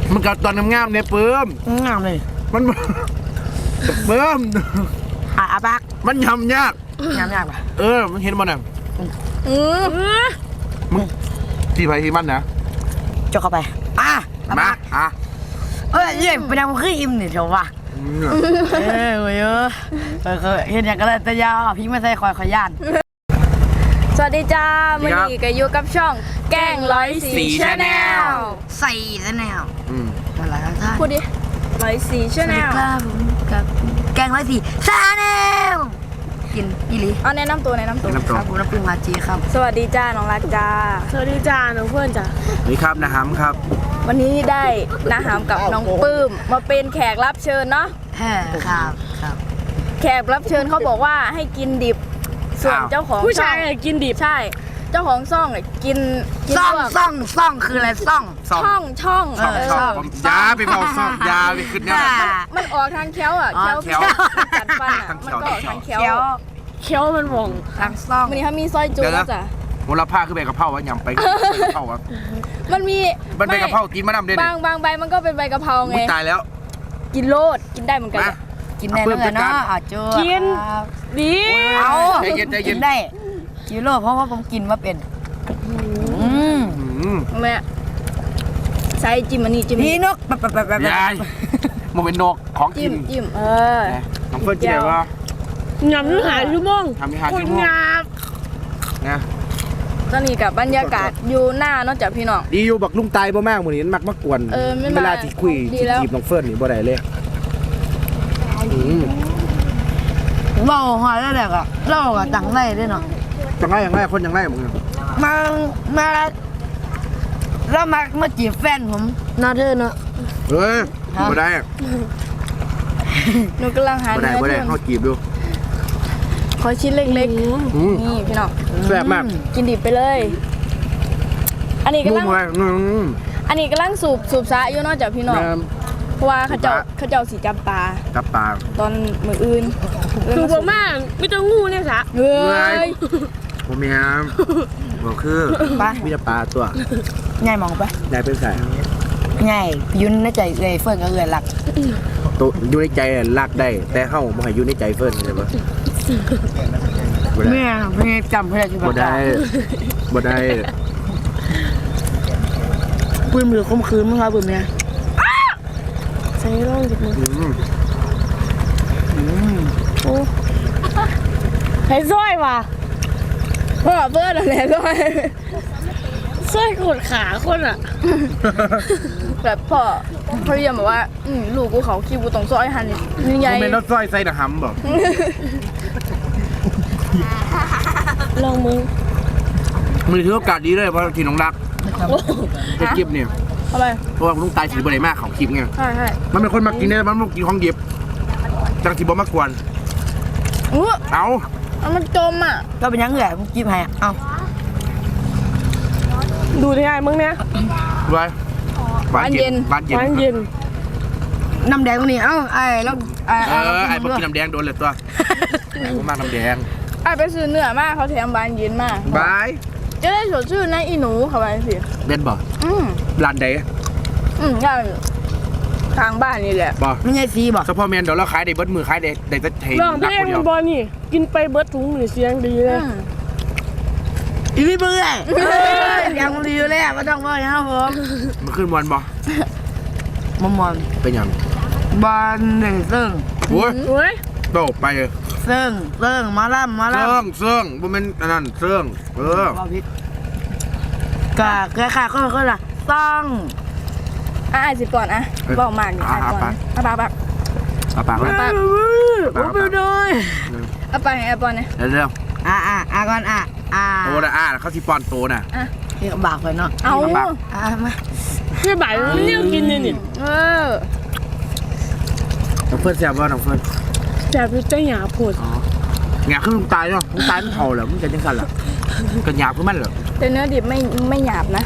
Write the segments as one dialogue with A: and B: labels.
A: มันกัดตอนงามๆเนี่ยเปิ้ม
B: งามเลย
A: มันเปิ้ม
B: อาบัก
A: มันยำยาก
B: ยากป่ะ
A: มันเห็นมันอ่ะมึงที่ไปที่มันนะ
B: จกเข้าไป
A: มา
B: เยี่ยมเป็นยังคืออิ่มนี่เถอะวะเว้ยเห็นอย่างก็เลยแต่ยาพี่ไม่ใช่คอยย่าน
C: สวัสดีจ้าวันนี้ก็อยู่กับช่องแกง104 Channel
B: ใส่Channel อะไรครับท่าน
C: พูดดิ104 Channel
B: ครับผมกับแกง104 Channel กินอีหลี
C: เอาแนะนำตัวครับ
B: ผมน้ำพึ่งมาจีครับ
C: สวัสดีจ้าน้องรักจ้า
D: สวัสดีจ้าน้องเพื่อนจ้า
A: นี่ครับนะฮัมครับ
C: วันนี้ได้นะฮัมกับน้องปื้มมาเป็นแขกรับเชิญเนาะ
B: ครับ
C: แขกรับเชิญเขาบอกว่าให้กินดิบส่วนเจ้าของ
D: ผู้ชายกินดิบ
C: ใช่เจ้าของซ่องกิน
B: ซ่องคืออะไรซ่อง
A: ยาไปเบาซ่องยาไปขึ้นเนี่ย
C: มันออกทางเคี้ยวอ่ะเคี้ยวกัดฟันอ่ะมันก็ออกทางเคี้ยว
D: มันมอง
B: ทางซ่อง
C: วันนี้เขามีซอยจุ๊จ้ะ
A: มูลค่าคือใบกะเพราวะยำไปกะเพราวะ
C: มันมี
A: ใบกะเพรากินมะนาวเด่น
C: บางใบมันก็เป็นใบกะเพราไง
A: ตายแล้ว
C: กินโลดกินได้เหมือนกัน
B: กินได้เลยเนาะจ้า
D: กินดี
B: เอากินได้กินโลเพราะว่าผมกินมาเป็น
C: แม่ใส่จิ้มอันนี้จิ้ม
B: นี่นก
A: ยายมันเป็นนกของกิน
C: จิ้ม
A: น้องเฟิร์นกินอะไรวะ
D: ยำนื้อหาชั่วโมง
A: ทำให้หาชั่วโมงนะ
C: ตอนนี้กับบรรยากาศอยู่หน้าเนาะจากพี่น้อง
A: ดีอยู่บักลุงตายบ่มากหมดนี้มักมากวนเวลาที่คุยจีบน้องเฟิร์นนี่บ่ได้เลย
B: เบาหอยแล้วแหละก็เล่าก็จังไรด้วยเนาะ
A: จังไรอย่างไรคนอย่างไรมึง
B: มาแล้วมาจีบแฟนผมน่าเธอเนาะ
A: บ่ได้
C: หนูกำลังหา
A: เนื้อที่เขาจีบดู
C: ขอชิ้นเล็กๆนี่พี่น้อง
A: แซ่บมาก
C: กินดิบไปเลยอันนี้กำลังสูบซะอยู่นอกจากพี่น้องเพราะว่าเขาเจ้าสีจับปลาตอนมืออื่น
D: คือบ่มากไม่ต้องงูเนี่ยสะ
C: เฮ้ย
A: ผมมีครับบอกคือมีแต่ปลาตัว
B: ง่ายมองไป
A: ได้เป็นสาย
B: ง่ายยุ่นในใจเลยเฟิร์นก็เลยหลัก
A: ตัวยุ่นในใจหลักได้แต่เข้ามาให้ยุ่นในใจเฟิร์นใช่ปะ
B: เมื่อจำเพื่อนที่
A: บ่ได้
B: ปืนมือคมคืนมั้งครับปืนเนี่ย
D: ใส่ร่องจิบมือใส่สร้อยว่ะ
C: พ่อเบิร์ดอะไรสร้
D: อยกดขาคนอ่ะ
C: แบบพ่อพยายามบอกว่าลูกกูเขาคิวกูต้องซอยหันยังไง
A: ไม่ต้องซอยใส่หนังหำบอก
D: ลองมือ
A: ถือโอกาสดีเลยเพราะทีน้องรักเป็นกิฟเนี่ย
C: ทำไม
A: เพราะว่าลุงตายถือบ่ได้มากของคลิปไง
C: ใช่
A: มันเป็นคนมากินเนี่ยมันมากินของดิบจังที่บ่มากวนเอา
C: มันจมอ่ะ
B: ก็เป็นยังไงมึงกินให้เอา
D: ดูได้ไงมึงเนี่ย
A: บ้านเย็น
B: น้ำแดงนี่เอ้าไอ้แล้ว
A: ไอ้พวกกินน้ำแดงโดนเลยตัวผมมากน้ำแดง
C: ไอ้ไปซื้อเนื้อมากเขาแถมบ้านเย็นมาก
A: บาย
C: จะได้สดชื่นนะอีหนูเขาไปสิ
A: เบนบ่ร้านใด
C: ย่านทางบ้านนี่แหละ
A: บ่
B: ไม่ใช่ซีบ่
A: เฉพาะแมนเดี๋ยวเราขายได้เบิดมือขายได้จะเท
D: ลองเพลงบอลนี่กินไปเบิดถุงหรือเสียงดีเลย
B: อีพี่เบื่อยังดีอยู่เลยไม่ต้องว่าครับผม
A: มันขึ้นบอลบ่
B: มอน
A: เป็นยัง
B: บอลหนึ่งซึ่ง
A: โอ้ยโตไปเลย
B: ซึ่งมาล่ำ
A: บ่เป็นอันนั้นซึ่ง
B: กะเกลือขาก็ละต้อง
C: สิก่อนบอกมากนี่ก่อนปาก
A: ไป
B: ด้วย
C: ไปให้ปอนเนี่ย
A: เร็ว
B: ก่อน
A: โตนะเขาที่ปอนโตน่ะ
B: นี่บากเลยเนาะ
C: เอา
B: มา
D: ไม่บ่ายมันเนี่ยกินเนี่ยนี่
A: น้องเฟิร์นแซ่บว่าน้องเฟิร์น
D: แซ่บใจหยาบปวด
A: หยาบคือลุงตายเนาะลุงตายมันเผาเหรอมันจะยังกันเหรอกันหยาบคือมันเหรอ
C: แต่เนื้อดิบไม่หยาบนะ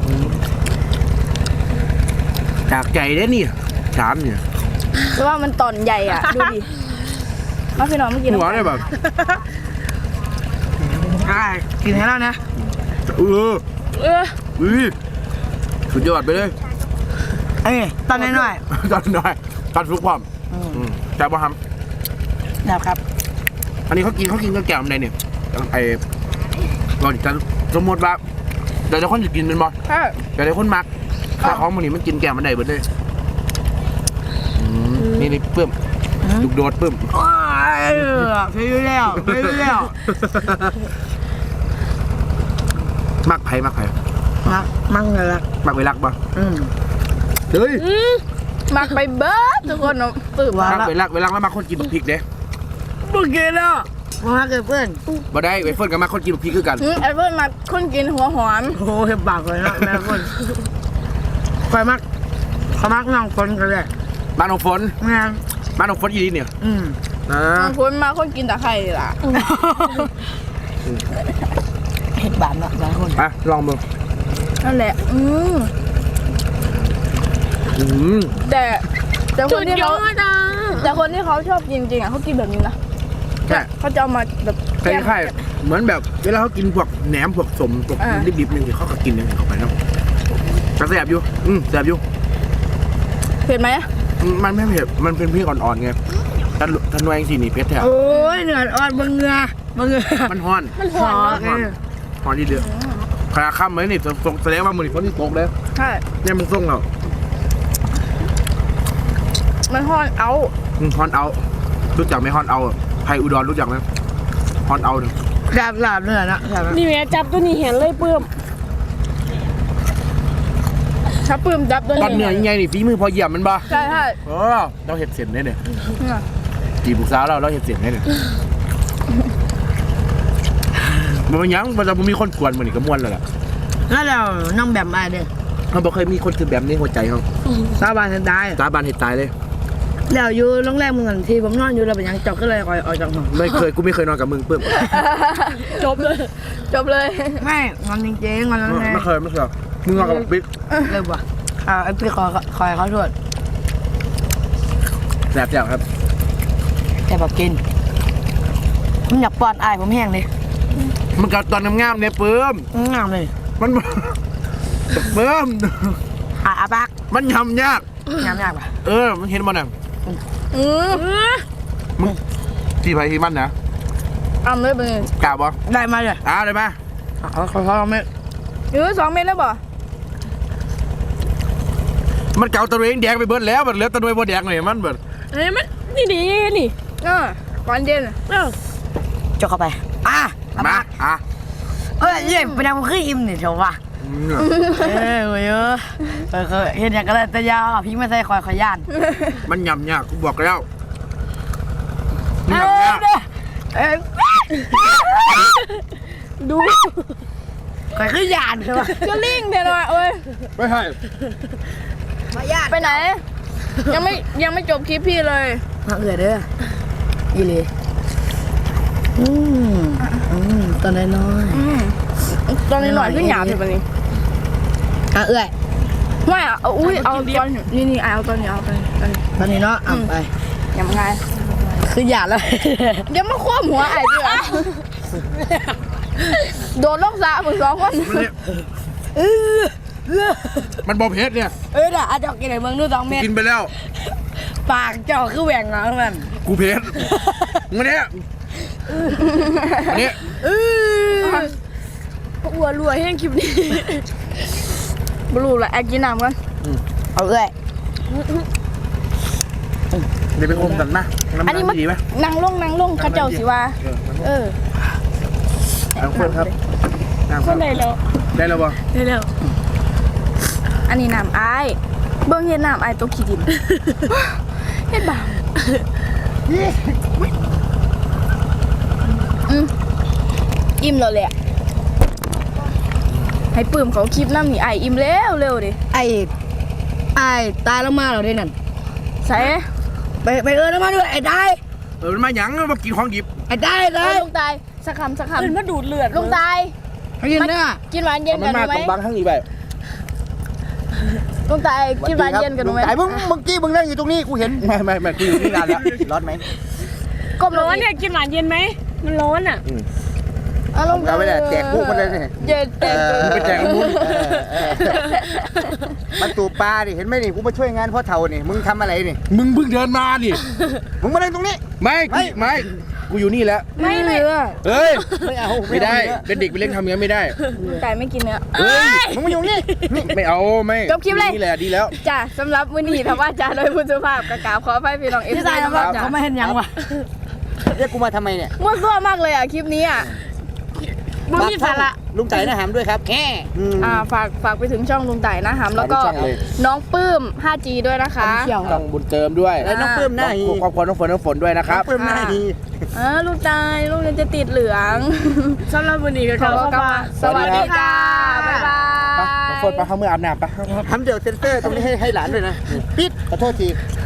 A: จากใจได้นี่ถามเนี่ย
C: เพราะว่ามันตอนใหญ่อ่ะดูดิมาพี่น้องเมื่อกี้
A: หัวได้แบบ
B: กินให้แล้วนะ
A: สุดยอดไปเลย
B: ไอตอนน้อย
A: ตอนน้อยตอนฟลุกพร้อมแต่บ่ท
B: ๆนะครับ
A: ำอันนี้เขากินกันแก้วอะไรเนี่ยไอ้เราจะสมมติว่าเดี๋ยวคนจะกินเป็นบ่
C: ใช่
A: เดี๋ยวคนมักถ้าของมันนี่มันกินแก้วมันได้เบิดเลยนี่เพิ่มลูกโดดเพิ่ม
B: ว้ายพี่แล้ว
A: มักไผ่
B: มั่งเลยละ
A: มักไปรักบ่
B: เฮ้ย
C: มักไปเบิร์ดทุกคนเนาะปื้ม
A: มักไปรักแล้วมักคนกินพริกเด้
B: มึงกินแล้วมาเกิดเพื่อน
A: บ่ได้ไปเฟิร์นกับมักคนกินพริกคือกัน
C: แอปเปิ้ลมักคนกินหัวหอม
B: โอ้โหเห็บปากเลยนะแม่คนคอยมักน้องคนกันเลย
A: บ้านของฝน
B: งาน
A: บ้านของฝนอีนี่เนี่ย
C: บางคนมาคนกินตะไคร้ล่ะ
B: เห็ดบานละบางคน
A: อ่ะลองมือ
C: นั่นแหละแต่คนที่เขาแต่คนที่เขาชอบกินจริงอ่ะเขากินแบบนี้นะ
A: ใช่
C: เขาจะเอามาแบบ
A: คล้ายๆเหมือนแบบเวลาเขากินพวกแหนมพวกสมพวกดิบๆนึงเขาก็กินอย่างนี้เข้าไปเนาะกระแสบอยู่แสบอยู่
C: เผ็ดไหม
A: มันไม่เผ็ดมันเป็นพริกอ่อนๆไงถ้าหน่วยเองสินี่เผ็ดแท้
B: โอ้ยเหนื่อยอ่อนเงือ
A: มันฮ้อน
C: มันหอมเนาะ
A: ฮ้อนดีเดือดขนาดค่ำเลยนี่แสดงว่ามือนี่ฝนที่ตกเลย
C: ใช่
A: เนี่ยมันส่งเรา
C: มันหอนเอา
A: ฮอนเอารู้จักไหมฮอนเอาไทยอุดรรู้จักไหมฮอนเอาเนี่ย
B: หลาบเหนื่อยนะ
D: นี่แม่จับตัวนี้เห็นเลยปื้ม
C: ถ้าปื้มจับตัว
A: ตอนเหนื่อยยังไงนี่ฝีมือพอเหยียบมันบ่
C: ใช่
A: เราเห็ดเสียนได้เนี่ยจีบลูกสาวเราเห็ดเสียนได้เนี่ยมันยังมันจะมีคนกวนมันนี่ก็ม้วนแล้วล่ะ
B: แล้วเราน้องแบบมาเด้อ
A: เขาบอกเคยมีคนคือแบบนี้หัวใจเขา
B: สาบานตาย
A: ตาบานเห็ดตายเลย
B: แล้วอยู่โรงแรมเมืองที่ผมนอนอยู่เราเป็นยังจอกก็เลยคอยออกจากห้อง
A: กูไม่เคยนอนกับมึงเพิ่ม
C: จบเลย
B: ไม่งอนจริงๆงอนแล้วไง
A: ไม่เคยมึงนอนกับบิ๊ก
B: เลยว่ะไอ้พี่คอยเขาโทษ
A: แสบครับ
B: แต่แบบกินผมอยากป้อนอายผมแห้งเลย
A: มันกัดตอนงามๆเนี่ยเพิ่ม
B: งามเลย
A: มันเพิ่ม
B: อาปาก
A: มันยำยาก
B: งามยากป่ะ
A: มันเห็นมันอ่ะ
C: อือ
A: ที่ไปที่มันนะ
C: เอาเลยไปเลย
A: กล้าบ่
B: ได้มาเลย
A: ได้มา
B: เขาไม่
C: 2 เม็ดแล้วบ่
A: มันเก่าตะเวงแดงไปเบิดแล้วมันเหลือตะเวงบ่แดงเลยมันเบิด
D: เอ้ยมันนี่
C: ก่อนเย็น
B: จกเข้าไป
A: มา
B: เย่เป็นยังคืออิ่มเนี่ยเถอะว่ะโอ้ยเห็นอย่างก็เลยแต่ยาพี่ไม่ใส่คอยย่าน
A: มันยำยากกูบอกแล้วยำยาก
C: ดู
B: คอยคือย่านใช่ป่ะ
C: ก็ลิงเดี๋ยวหน่อยเอ้ย
A: ไม่ใช่
C: ไปไหน ยังไม่จบคลิปพี่เลย
B: มาเอือเด้ออีเลยตอนน้อย
C: ตอนนี้หน่อยขึ้นหยาบอยู่ปะนี่
B: เอื้อย
C: ไม่อ่ะอุ้ยเอาตอนนี่เอาตอนนี้เอาตอนนี้
B: ตอนนี้เนาะไป
C: ยังไง
B: คือหยาดแล้ว
C: เดี๋ยวมาคว่ำหัวไอ้ด้วยโดนลูกสาวมึง2 คน
A: มันบอเพชรเนี่ย
B: น่ะอาจจะกินไหนเมืองนู่น2 เม็ด
A: กินไปแล้ว
B: ปากเจ้าคือแหว่งแล้วมัน
A: กูเพชรมึงเนี่ยอันนี้
C: อ้วนรวยแห้งคลิปนี้บลูละแอกกินน้ำกัน
B: เอาเอื้อย
A: เดี๋ยวไปอมกันนะ
C: อันนี้มัน
A: ดีไหม
C: นั่งลงข้าเจ้าสิว่า
A: นั่งเพื่อนครับ
D: คนไหนแล้ว
A: ได้แล้วบ่
D: ได้แล้ว
C: อันนี้น้ำอายเบิ่งเห็นน้ำอายตกขี้ดินเฮ็ดบาปอิ่มแล้วแหละให้ปื้มเขาคลิปน้ำนี่อายอิ่มแล้วเร็วดิ
B: ไอ้ตายแล้วมาเหรอเด้นั่น
C: ใส่
B: ไปแล้วมาด้วยไอ้ได้
A: มันมาหยังมากินของหยิบ
B: ไอ้ได้
C: ลงตายสักคำ
D: เดินมาดูดเลือด
C: ลงตาย
B: เขายินเนื้อ
C: กินหวานเย็น
A: มั
C: กัน
A: มา
C: ไหม
A: ตรงบางทั้งอีไป
C: ลงตายกินหวานเย็นกันไหม
A: ไอ้มึงเมื่อกี้มึงนั่งอยู่ตรงนี้กูเห็นไม่กูอยู่นี่นานแล้วร้อนไหม
C: ก้มล
D: ร้
C: ง
D: อนเนี่ยกินหวานเย็นไหมมันร้อนอ่ะ
C: เอาลง
E: เอาไปเลยแจกพวกมันเลยนี่
C: อย่าแจก
A: ไปแจกมุ้ง
E: มันตูปลาดิเห็นไหมนี่กูมาช่วยงานพ่อเฒ่านี่มึงทำอะไรนี่
A: มึงเพิ่งเดินมาดิ
E: มึงมาเล่นตรงนี้
A: ไม่กูอยู่นี่แล้ว
C: ไม่เลย
A: เอ้ย
E: ไม่เอา
A: ไม่ได้เป็นเด็กไปเล่นทำอย่างนั้นไม่ได้
C: ไก่ไม่กินเนื้อ
A: เอ้ย
E: มึงมาอยู่นี่
A: ไม่เอาไม่
C: จบคลิปเลย
A: นี่แหละดีแล้ว
C: จ้ะสำหรับมื้อนี้ถ้าว่าจ้าโดยผู้สุภาพกะกราบขออภัยพี่น้องเอฟ
B: พี่
C: ซี
B: ตาย
C: นะ
B: นะ
C: ค
B: ว่า
C: รับจ้ะ
B: เขาไม่เห็นยังวะ
E: เรียกกูมาทำไมเนี่ย
C: มั่วซั่วมากเลยอ่ะคลิปนี้อ่ะ
B: มึงมีสาระ
E: ลุงใจนะหามด้วยครับแค่
C: ฝากไปถึงช่องลุงไต่นะหำแล้วก็
A: ฝากทุกช่องเลย
C: น้องปื้ม 5G ด้วยนะคะ
B: เขียว
A: ต้องบุญเติมด้วย
E: แล้วน้องปื้มหน้าฮี
A: ครอบครัวน้องฝนด้วยนะครับ
E: ปื้มหน้าฮี
C: ลูกไต่ลูกจะติดเหลือง
D: สำหรับวันนี้ก็
C: ข
D: ข
C: อ
D: อบ
C: กลับมาสวัสดีค่ะ บ๊ายบาย
A: ไปน้องฝนไปเข้าเมื่ออาบน้ำไป
E: ทำเดี๋ยวเซ็นเซอร์ตรงนี้ให้หลานด้วยนะปิดขอโทษที